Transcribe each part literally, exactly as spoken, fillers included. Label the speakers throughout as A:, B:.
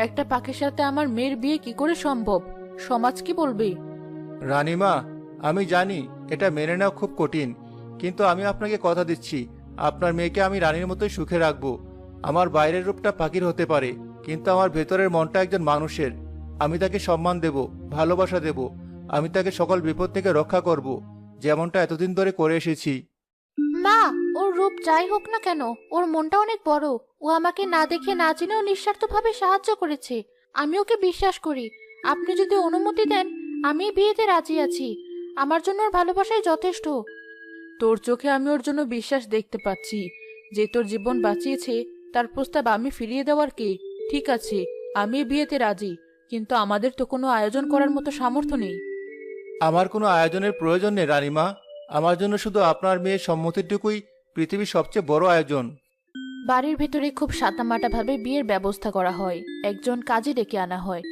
A: একটা পাখির সাথে আমার মেয়ের বিয়ে কি করে সম্ভব? সমাজ কি বলবে?
B: রানীমা, আমি জানি এটা মেনে নেওয়া খুব কঠিন, কিন্তু আমি আপনাকে কথা দিচ্ছি, আপনার মেয়েকে আমি রানীর মতোই সুখে রাখবো। আমার বাইরের রূপটা পাখির হতে পারে, কিন্তু আমার ভেতরের মনটা একজন মানুষের। আমি তাকে সম্মান দেব, ভালোবাসা দেব। আমি তাকে সকল বিপদ থেকে রক্ষা করব, যেমনটা এতদিন ধরে করে এসেছি।
A: মা, ওর রূপ যাই হোক না কেন, ওর মনটা অনেক বড়। ও আমাকে না দেখে না জেনেও নিঃস্বার্থভাবে সাহায্য করেছে। আমি ওকে বিশ্বাস করি। আপনি যদি অনুমতি দেন, আমি এই বিয়েতে রাজি আছি। আমার জন্য ওর ভালোবাসাই যথেষ্ট। তোর চোখে আমি ওর জন্য বিশ্বাস দেখতে পাচ্ছি। যে তোর জীবন বাঁচিয়েছে, তার প্রস্তাব আমি ফিরিয়ে দেওয়ার কে? ঠিক আছে, আমি এই বিয়েতে রাজি, কিন্তু আমাদের তো কোনো আয়োজন করার মতো সামর্থ্য নেই।
B: আমার কোনো আয়োজনের প্রয়োজন নেই রানীমা। আমার জন্য শুধু আপনার মেয়ের সম্মতিটুকুই পৃথিবীর সবচেয়ে বড় আয়োজন।
A: বাড়ির ভেতরে খুব সাদামাটা ভাবে বিয়ের ব্যবস্থা করা হয়। একজন কাজী ডেকে আনা হয়।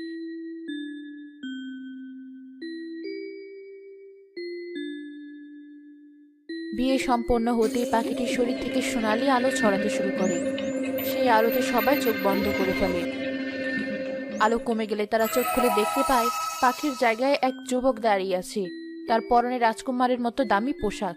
A: বিয়ে সম্পন্ন হতেই পাখিটির শরীর থেকে সোনালি আলো ছড়াতে শুরু করে। সেই আলোতে সবাই চোখ বন্ধ করে ফেলে। আলো কমে গেলে তারা চোখ খুলে দেখতে পায় পাখির জায়গায় এক যুবক দাঁড়িয়ে আছে। তার পরনে রাজকুমারের মতো দামি পোশাক।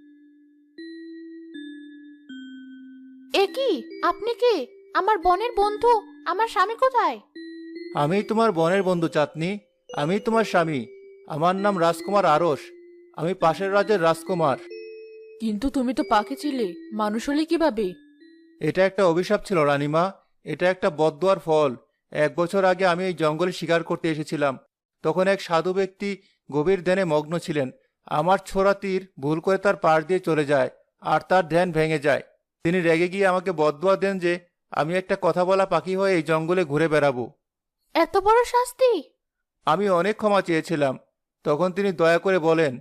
A: এ কি? আপনি কে? আমার বোনের বন্ধু? আমার স্বামী কোথায়?
B: আমি তোমার বোনের বন্ধু চাঁদনি। আমি তোমার স্বামী। আমার নাম রাজকুমার আরস। আমি পাশের রাজ্যের রাজকুমার।
A: কিন্তু তুমি তো পাখি ছিলে, মানুষ হলে কিভাবে?
B: এটা একটা অভিশাপ ছিল রানীমা। এটা একটা বদদুয়ার ফল। এক বছর আগে আমি এই জঙ্গলে শিকার করতে এসেছিলাম। তখন এক সাধু ব্যক্তি গভীর ধ্যানে মগ্ন ছিলেন। আমার ছোড়া তীর ভুল করে তার পাশ দিয়ে চলে যায়, আর তার ধ্যান ভেঙে যায়। তিনি রেগে গিয়ে আমাকে বদদুয়া দেন যে আমি একটা কথা বলা পাখি হয়ে এই জঙ্গলে ঘুরে বেড়াবো।
A: এত বড় শাস্তি!
B: আমি অনেক ক্ষমা চেয়েছিলাম। তখন তিনি দয়া করে বলেন,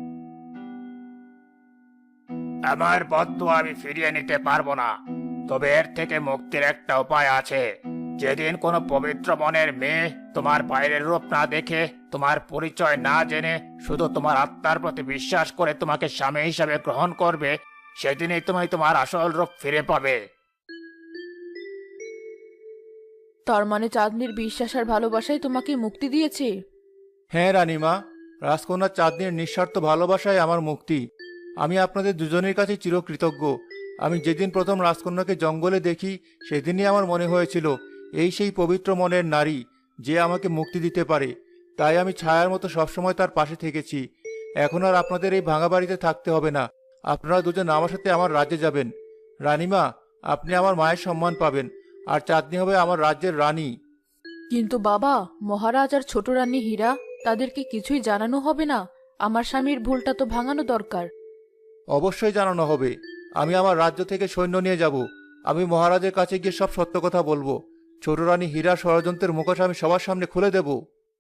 C: আমার বদদুয়া আমি ফিরিয়ে নিতে পারবো না, তবে এর থেকে মুক্তির একটা উপায় আছে। যেদিন কোনো পবিত্র মনের মেয়ে তোমার বাইরের রূপ না দেখে, তোমার পরিচয় না জেনে, শুধু তোমার আত্মার প্রতি বিশ্বাস করে তোমাকে স্বামী হিসাবে গ্রহণ করবে, সেদিনই তুমি তোমার আসল রূপ ফিরে পাবে।
A: তার মানে চাঁদনির বিশ্বাস আর ভালোবাসাই তোমাকে মুক্তি দিয়েছে?
B: হ্যাঁ রানীমা, রাজকন্যা চাঁদনির নিঃস্বার্থ ভালোবাসায় আমার মুক্তি। আমি আপনাদের দুজনের কাছে চিরকৃতজ্ঞ। আমি যেদিন প্রথম রাজকন্যাকে জঙ্গলে দেখি, সেদিনই আমার মনে হয়েছিল এই সেই পবিত্র মনের নারী, যে আমাকে মুক্তি দিতে পারে। তাই আমি ছায়ার মতো সবসময় তার পাশে থেকেছি। এখন আর আপনাদের এই ভাঙা বাড়িতে থাকতে হবে না। আপনারা দুজন আমার সাথে আমার রাজ্যে যাবেন। রানীমা, আপনি আমার মায়ের সম্মান পাবেন, আর চাঁদনি হবে আমার রাজ্যের রানী।
A: কিন্তু বাবা, মহারাজ আর ছোট রানী হীরা, তাদেরকে কিছুই জানানো হবে না? আমার স্বামীর ভুলটা তো ভাঙানো দরকার।
B: অবশ্যই জানানো হবে। আমি আমার রাজ্য থেকে সৈন্য নিয়ে যাব। আমি মহারাজের কাছে গিয়ে সব সত্য কথা বলবো। ছোট রানী হীরা ষড়যন্ত্রের মুখোশ আমি সবার সামনে খুলে দেব।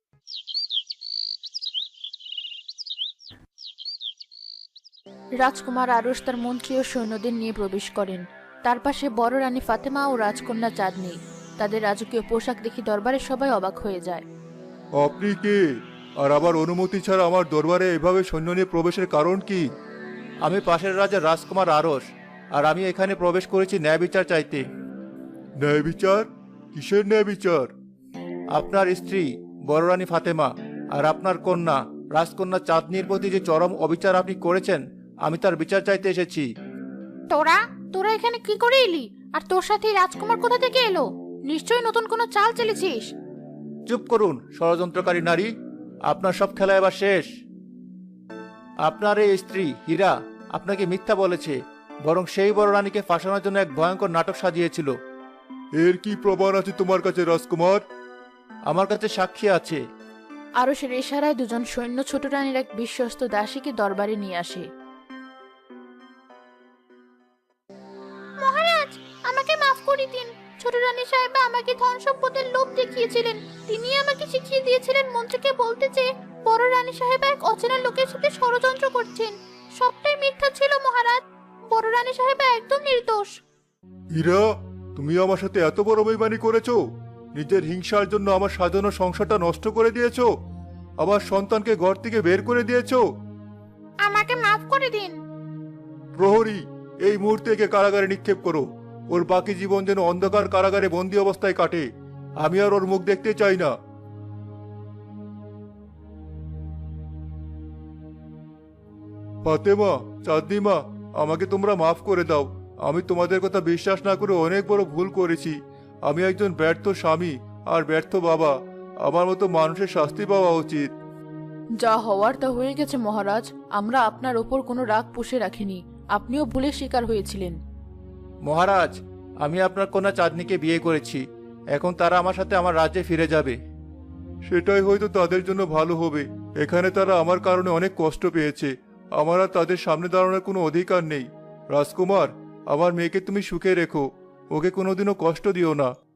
A: রাজকুমার আরশ তার মন্ত্রী ও সৈন্যদের নিয়ে প্রবেশ করেন। তার পাশে বড় রানী ফাতেমা ও রাজকন্যা চাঁদনি। তাদের রাজকীয় পোশাক দেখে দরবারে সবাই অবাক হয়ে যায়।
B: আপনি কে? আর আবার অনুমতি ছাড়া আমার দরবারে এভাবে সৈন্য নিয়ে প্রবেশের কারণ কি? আমি পাশের রাজা রাজকুমার আরশ, আর আমি এখানে প্রবেশ করেছি ন্যায় বিচার চাইতে। ন্যায় বিচার? কিসের ন্যায় বিচার? আপনার স্ত্রী বড় রানী ফাতেমা আর আপনার কন্যা রাজকন্যা চাঁদনির প্রতি যে চরম অবিচার আপনি করেছেন, আমি তার বিচার চাইতে এসেছি।
A: তোরা তোরা এখানে কি করে এলি? আর তোর সাথে রাজকুমার কোথা থেকে এলো? নিশ্চয়ই নতুন কোনো চাল চেলেছিস।
B: চুপ করুন ষড়যন্ত্রকারী নারী, আপনার সব খেলা এবার শেষ। আপনার এই স্ত্রী হীরা আপনাকে মিথ্যা বলেছে, বরং সেই বড় রানীকে ফাঁসানোর জন্য এক ভয়ঙ্কর নাটক সাজিয়েছিল। এর কি প্রমাণ আছে তোমার কাছে রাজকুমার? আমার কাছে সাক্ষী আছে।
A: আরশের ইশারায় দুজন সৈন্য ছোট রানীর এক বিশ্বস্ত দাসীকে দরবারে নিয়ে আসে। মহারাজ, আমাকে মাফ করে দিন। ছোট রানী সাহেবা আমাকে ধন সম্পদের লোভ দেখিয়েছিলেন। তিনি আমাকে শিখিয়ে দিয়েছিলেন মন্ত্রীকে বলতে যে বড় রানী সাহেবা এক অচেনা লোকের সাথে ষড়যন্ত্র করছেন। সবটাই মিথ্যা ছিল মহারাজ। বড় রানী সাহেবা একদম নির্দোষ।
B: হীরা, তুমি আমার সাথে এত বড় বেইমানি করেছো? নিজের হিংসার জন্য আমার সাজানো সংসারটা নষ্ট করে দিয়েছো। আমার সন্তানকে ঘর থেকে বের করে দিয়েছো।
A: আমাকে মাফ করে দিন।
B: প্রহরী, এই মুহূর্তে একে কারাগারে নিক্ষেপ করো। ওর বাকি জীবন যেন অন্ধকার কারাগারে বন্দী অবস্থায় কাটে। আমি আর ওর মুখ দেখতে চাই না। ফাতেমা, চাঁদনি মা, আমাকে তোমরা মাফ করে দাও। আমি তোমাদের কথা বিশ্বাস না করে অনেক বড় ভুল করেছি। আমি একজন ব্যর্থ স্বামী আর ব্যর্থ বাবা। আমার মতো মানুষের শাস্তি পাওয়া উচিত।
A: যা হওয়ার তা হয়ে গেছে মহারাজ। আমরা আপনার ওপর কোনো রাগ পুষে রাখিনি। আপনিও ভুলের শিকার হয়েছিলেন।
B: মহারাজ, আমি আপনার কন্যা চাঁদনিকে বিয়ে করেছি। এখন তারা আমার সাথে আমার রাজ্যে ফিরে যাবে। সেটাই হয়তো তাদের জন্য ভালো হবে। এখানে তারা আমার কারণে অনেক কষ্ট পেয়েছে। আমার আর তাদের সামনে দাঁড়ানোর কোনো অধিকার নেই। রাজকুমার, আমার মেয়েকে তুমি সুখে রেখো। ওকে কোনোদিনও কষ্ট দিও না।